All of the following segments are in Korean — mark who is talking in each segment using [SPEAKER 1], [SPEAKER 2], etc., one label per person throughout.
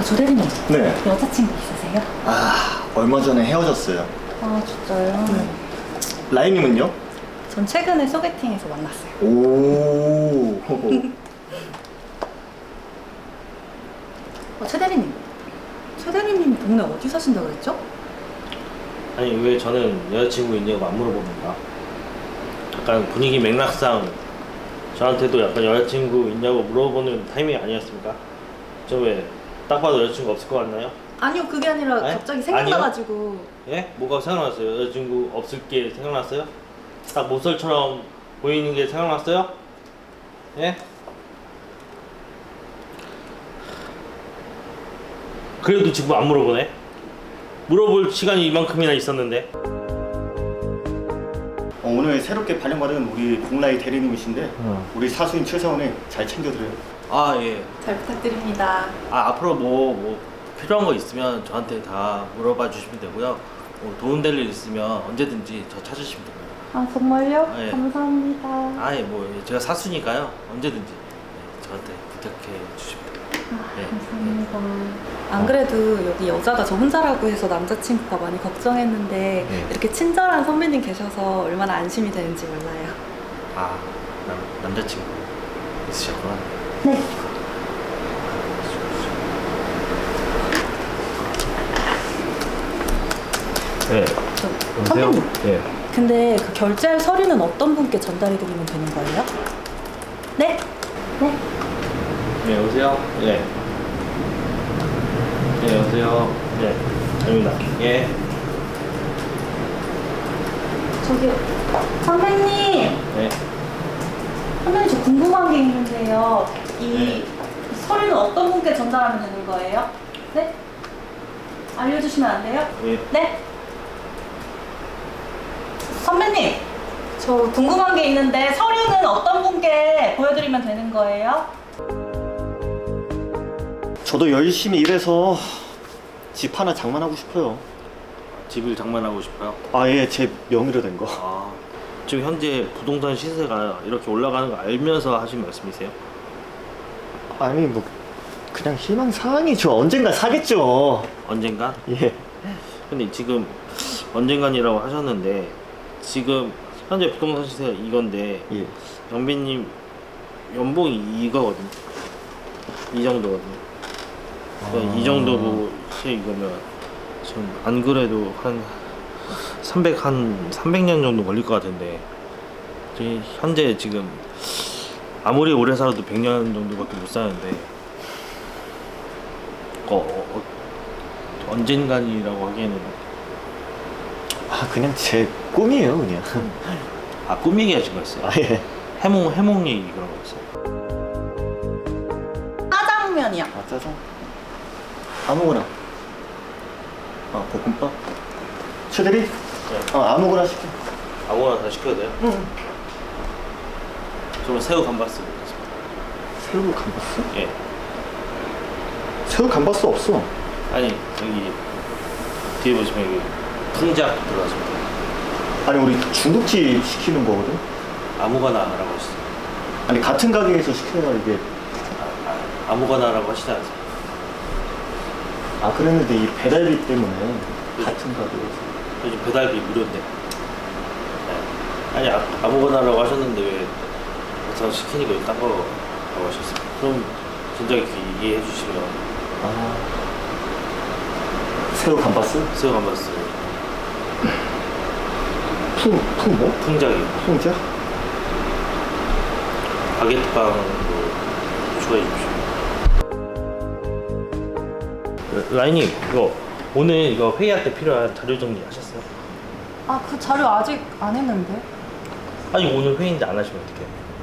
[SPEAKER 1] 조대리님.
[SPEAKER 2] 네.
[SPEAKER 1] 여자친구 있으세요?
[SPEAKER 2] 얼마 전에 헤어졌어요.
[SPEAKER 1] 아, 진짜요?
[SPEAKER 2] 네. 라인님은요?
[SPEAKER 1] 전 최근에 소개팅에서 만났어요.
[SPEAKER 2] 오.
[SPEAKER 1] 최대리님. 최대리님 동네 어디 사신다고 그랬죠?
[SPEAKER 3] 아니 왜 저는 여자친구 있냐고 안 물어봅니까? 약간 분위기 맥락상 저한테도 약간 여자친구 있냐고 물어보는 타이밍이 아니었습니까? 저 왜 딱 봐도 여자친구 없을 것 같나요?
[SPEAKER 1] 아니요, 그게 아니라
[SPEAKER 3] 네?
[SPEAKER 1] 갑자기 생각나가지고.
[SPEAKER 3] 예? 뭐가 생각났어요? 여자친구 없을 게 생각났어요? 딱 모쏠처럼 보이는 게 생각났어요? 예? 그래도 지금 안 물어보네? 물어볼 시간이 이만큼이나 있었는데.
[SPEAKER 2] 오늘 새롭게 발령받은 우리 공라이 대리님이신데 우리 사수인 최사원이 잘 챙겨드려요.
[SPEAKER 3] 아 예.
[SPEAKER 1] 잘 부탁드립니다.
[SPEAKER 3] 앞으로 뭐 필요한 거 있으면 저한테 다 물어봐 주시면 되고요. 뭐 도움될 일 있으면 언제든지 저 찾으시면 되고요.
[SPEAKER 1] 아, 정말요?
[SPEAKER 3] 예.
[SPEAKER 1] 감사합니다.
[SPEAKER 3] 뭐 제가 사수니까요. 언제든지 저한테 부탁해 주시면 돼요. 네.
[SPEAKER 1] 감사합니다. 안 그래도 여기 여자가 저 혼자라고 해서 남자친구가 많이 걱정했는데
[SPEAKER 3] 네.
[SPEAKER 1] 이렇게 친절한 선배님 계셔서 얼마나 안심이 되는지 몰라요.
[SPEAKER 3] 남자친구 있으셨구나.
[SPEAKER 1] 네.
[SPEAKER 3] 네.
[SPEAKER 1] 선배님.
[SPEAKER 3] 네.
[SPEAKER 1] 근데 그 결제할 서류는 어떤 분께 전달해드리면 되는 거예요? 네? 네?
[SPEAKER 3] 네, 여보세요? 네. 네, 여보세요? 네. 아닙니다. 예.
[SPEAKER 1] 저기 선배님!
[SPEAKER 3] 네.
[SPEAKER 1] 선배님 저 궁금한 게 있는데요. 이
[SPEAKER 3] 네.
[SPEAKER 1] 서류는 어떤 분께 전달하면 되는 거예요? 네? 알려주시면 안 돼요?
[SPEAKER 3] 예.
[SPEAKER 1] 네? 선배님! 저 궁금한 게 있는데 서류는 어떤 분께 보여드리면 되는 거예요?
[SPEAKER 2] 저도 열심히 일해서 집 하나 장만하고 싶어요.
[SPEAKER 3] 집을 장만하고 싶어요?
[SPEAKER 2] 예, 제 명의로 된 거.
[SPEAKER 3] 지금 현재 부동산 시세가 이렇게 올라가는 거 알면서 하신 말씀이세요?
[SPEAKER 2] 아니 뭐 그냥 희망사항이죠. 언젠가 사겠죠.
[SPEAKER 3] 언젠간?
[SPEAKER 2] 예.
[SPEAKER 3] 근데 지금 언젠간이라고 하셨는데 지금 현재 부동산 시세가 이건데
[SPEAKER 2] 예.
[SPEAKER 3] 영빈님 연봉이 이거거든요. 이 정도거든요. 그러니까 이 정도고 시세 이거면 전 안 그래도 한 300년 정도 걸릴 것 같은데 현재 지금 아무리 오래 살아도 100년 정도밖에 못 사는데 언젠간이라고 하기에는
[SPEAKER 2] 그냥 제 꿈이에요, 그냥.
[SPEAKER 3] 꿈 얘기하신 거였어요?
[SPEAKER 2] 예.
[SPEAKER 3] 해몽 얘기 그런 거였어요?
[SPEAKER 1] 짜장면이요.
[SPEAKER 2] 짜장. 아무거나. 볶음밥. 최대리?
[SPEAKER 3] 네.
[SPEAKER 2] 아무거나 시켜.
[SPEAKER 3] 아무거나 다 시켜도 돼요?
[SPEAKER 2] 응.
[SPEAKER 3] 저는 새우 감바스 먹겠습니다.
[SPEAKER 2] 새우 감바스?
[SPEAKER 3] 예.
[SPEAKER 2] 새우 감바스 없어.
[SPEAKER 3] 아니 여기 뒤에 보시면 여기 풍작 들어가십니다.
[SPEAKER 2] 아니 우리 중국집 시키는 거거든.
[SPEAKER 3] 아무거나라고 하시죠.
[SPEAKER 2] 아니 같은 가게에서 시켜야 이게.
[SPEAKER 3] 아무거나라고 하시지 않습니까?
[SPEAKER 2] 그랬는데 이 배달비 때문에 같은 가게에서.
[SPEAKER 3] 요즘 배달비 무료인데. 네. 아니 아무거나라고 하셨는데 왜 저 시키니까 왜 딴 거라고 하셨어요? 그럼 진작에 얘기해 주시면
[SPEAKER 2] 새우 감바스?
[SPEAKER 3] 새우 감바스
[SPEAKER 2] 풍 뭐?
[SPEAKER 3] 풍작이요.
[SPEAKER 2] 풍자?
[SPEAKER 3] 바게트빵도 추가해 주십시오. 라인님 이거 오늘 이거 회의할 때 필요한 자료 정리 하셨어요?
[SPEAKER 1] 그 자료 아직 안 했는데.
[SPEAKER 3] 아니 오늘 회의인데 안 하시면 어떡해요?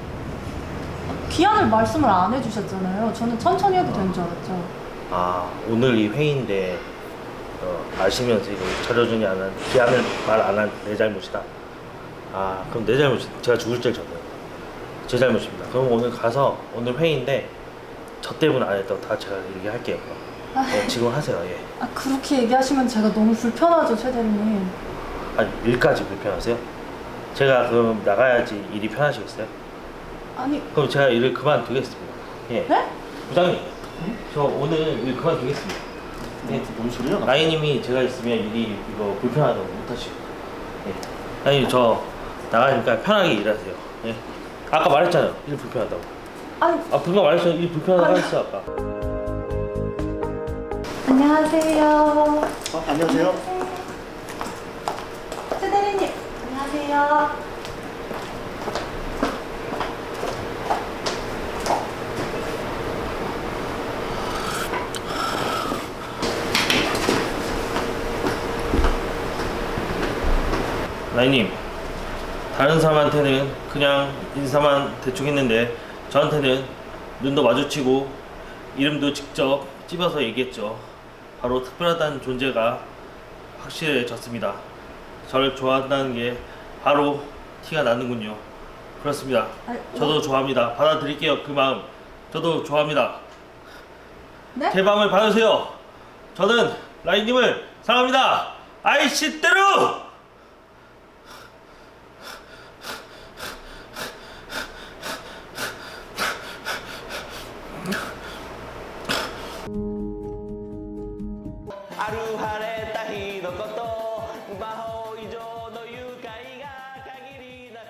[SPEAKER 1] 기한을 말씀을 안 해주셨잖아요. 저는 천천히 해도 되는 줄 알았죠.
[SPEAKER 3] 오늘 이 회의인데 아시면서 이거 자료 정리 안 한, 기한을 말 안 한 내 잘못이다. 그럼 내 잘못이 제가 죽을 죄를 졌네요. 제 잘못입니다. 그럼 오늘 가서 오늘 회의인데 저 때문에 안 했다고 다 제가 얘기할게요. 지금 하세요. 예.
[SPEAKER 1] 그렇게 얘기하시면 제가 너무 불편하죠, 최대리님.
[SPEAKER 3] 일까지 불편하세요? 제가 그럼 나가야지 일이 편하시겠어요?
[SPEAKER 1] 아니,
[SPEAKER 3] 그럼 제가 일을 그만두겠습니다. 예.
[SPEAKER 1] 네?
[SPEAKER 3] 부장님 저 오늘 일 그만두겠습니다. 네.
[SPEAKER 2] 뭔 소리야?
[SPEAKER 3] 라인님이 제가 있으면 일이 이거 불편하다고 못하시고. 네. 라인님 저 나가니까 편하게 일하세요. 네. 아까 말했잖아요. 일 불편하다고.
[SPEAKER 1] 아유,
[SPEAKER 3] 분명 말했잖아요. 일 불편하다고 했어 아까.
[SPEAKER 1] 안녕하세요.
[SPEAKER 2] 안녕하세요.
[SPEAKER 1] 최 대리님, 안녕하세요.
[SPEAKER 3] 라인님, 다른 사람한테는 그냥 인사만 대충 했는데 저한테는 눈도 마주치고 이름도 직접 찝어서 얘기했죠. 바로 특별하다는 존재가 확실해졌습니다. 저를 좋아한다는 게 바로 티가 나는군요. 그렇습니다. 저도 좋아합니다. 받아들일게요. 그 마음. 저도 좋아합니다.
[SPEAKER 1] 네?
[SPEAKER 3] 제 마음을 받으세요. 저는 라인님을 사랑합니다. 아이씨대로!
[SPEAKER 4] 아루晴れた日のこと魔法